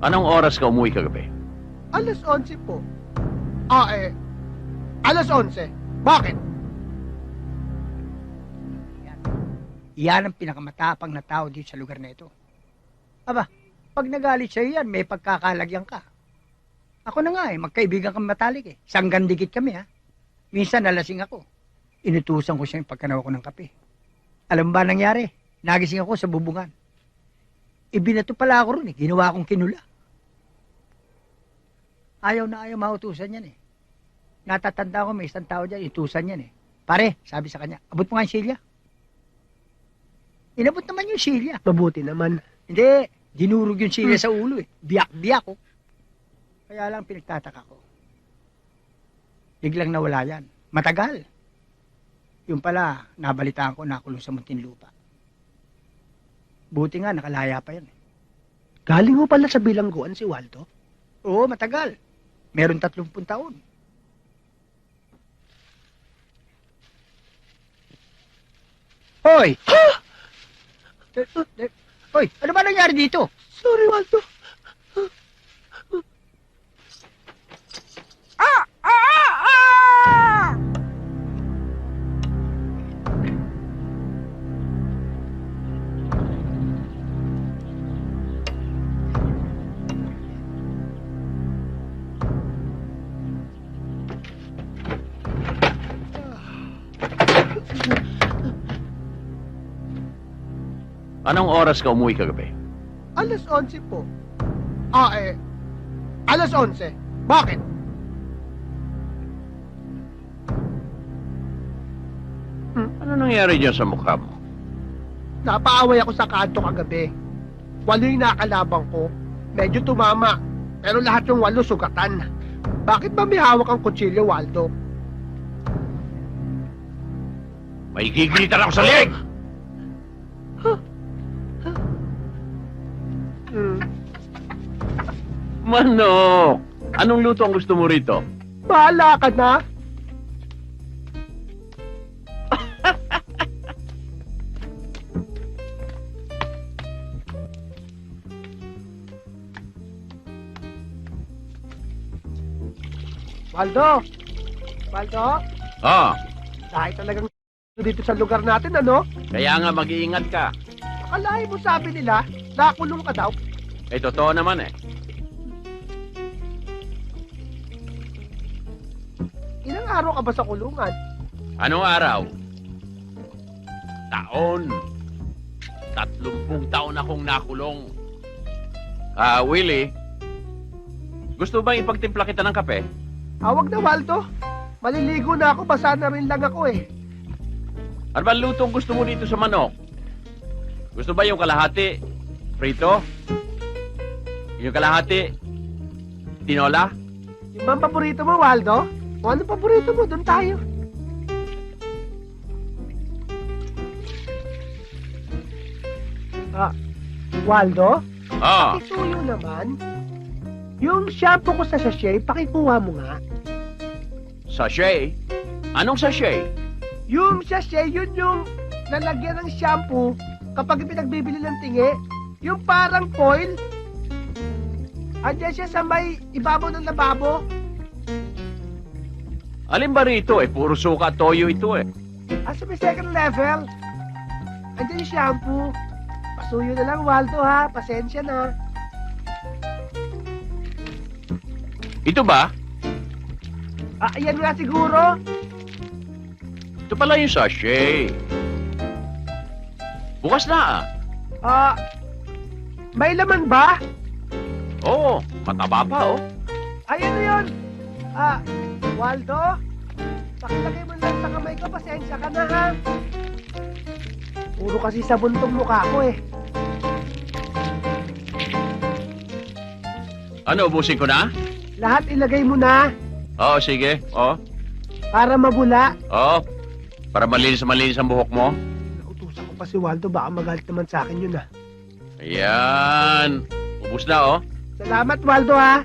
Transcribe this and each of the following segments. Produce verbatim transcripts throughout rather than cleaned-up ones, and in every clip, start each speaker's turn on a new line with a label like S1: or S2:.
S1: Anong oras ka umuwi kagabi?
S2: Alas onse po. Ah, eh. Alas onse. Bakit?
S3: Yan. Yan ang pinakamatapang na tao dito sa lugar na ito. Aba, pag nagalit sa'yo yan, may pagkakalagyan ka. Ako na nga eh, magkaibigan kami matalik eh. Sanggan dikit kami ha. Minsan nalasing ako. Inutusan ko siya yung pagkanaw ko ng kape. Alam ba nangyari? Nagising ako sa bubungan. Ibinato pala ako ron eh. Ginawa akong kinula. Ayaw na ayaw mautusan yan eh. Natatanda ko may isang tao dyan, itusan yan eh. Pare, sabi sa kanya, abot mo nga yung silya. Inabot naman yung silya.
S2: Mabuti naman.
S3: Hindi, dinurog yung silya sa ulo eh. Biyak-biyak ko. Kaya lang pinagtataka ko. Biglang nawala yan. Matagal. Yung pala, nabalitaan ko nakulong sa Muntinlupa. Buti nga, nakalaya pa yan eh.
S2: Galing mo pala sa bilangguan si Waldo?
S3: Oo, matagal. Meron tatlumpung taon. Hoy! Eh, eh, Hoy, ano ba nangyari dito?
S2: Sorry, Waldo.
S1: Anong oras ka umuwi kagabi?
S2: Alas onse po. Ah, eh. Alas onse. Bakit?
S1: Ano nangyari dyan sa mukha mo?
S2: Napaaway ako sa kanto kagabi. Walo yung nakalabang ko. Medyo tumama. Pero lahat yung walo sugatan. Bakit ba may hawak ang kutsilyo, Waldo?
S1: May gigilitan ako sa leg!
S2: Hmm.
S1: Manok! Anong luto ang gusto mo rito?
S2: Bahala ka na. Waldo! Waldo?
S1: Ah,
S2: Dahil talagang dito sa lugar natin, ano?
S1: kaya nga mag-iingat ka.
S2: Akalain mo sabi nila, nakulong ka daw.
S1: Eh, totoo naman eh.
S2: Ilang araw ka ba sa kulungan?
S1: Anong araw? Taon. Tatlumpung taon akong nakulong. Ah, Willie, gusto bang ipagtimpla kita ng kape?
S2: Awag na, Waldo. Maliligo na ako, basa na rin lang ako eh.
S1: Ano ba lutong gusto mo dito sa manok? Gusto ba yung kalahati? Prito? Yung kalahati? Tinola?
S2: Yung bang paborito mo, Waldo? O ano paborito mo? Doon tayo. Ah, Waldo?
S1: Ah,
S2: Ituyo naman. Yung shampoo ko sa sachet, pakikuha mo nga.
S1: sachet? Anong sachet?
S2: Yung sachet, yun yung lalagyan ng shampoo kapag pinagbibili ng tingi. Yung parang foil. Andiyan siya sa may ibabaw ng lababo.
S1: Alin ba rito eh? Puro suka at toyo ito eh.
S2: Ah, sa may second level. Andiyan yung shampoo. Pasuyo na lang, Waldo, ha? Pasensya na.
S1: Ito ba?
S2: Ah, ayan nga siguro.
S1: Ito pala yung sachet. Bukas na ah.
S2: Ah, may laman ba?
S1: Oo, mataba pa oh.
S2: Ayan na yun. Ah, Waldo, pakilagay mo lang sa kamay ko. Pasensya ka na, ha? Puro kasi sabon tong mukha ko, eh.
S1: Ano, ubusin ko na?
S2: Lahat ilagay mo na
S1: Oo, sige. Oo,
S2: para mabula.
S1: oo. Para malinis malinis ang buhok mo.
S2: Nautusan ko pa si Waldo. Baka magalit naman sa akin yun, ha?
S1: Ayan. Ubus na oh.
S2: Salamat, Waldo, ha?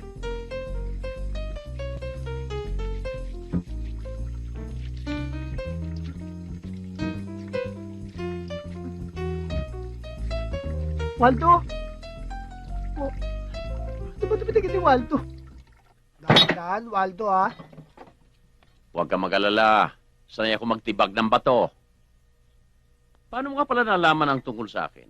S2: Waldo? Oh. Waldo. Dahan-dahan, Waldo, ha?
S1: Huwag ka mag-alala. Sanay ako magtibag ng bato. Paano mo nga pala nalaman ang tungkol sa akin?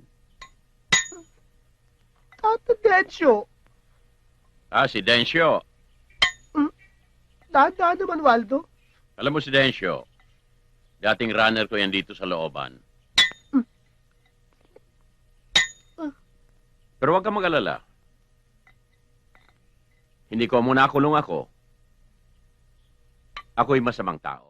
S2: Tata Densyo.
S1: Ah, si Dencio.
S2: Dahan-dahan naman, Waldo.
S1: Alam mo si Dencio, dating runner ko yan dito sa looban. Pero huwag ka mag-alala. Hindi ko muna kulong ako. Ako'y masamang tao.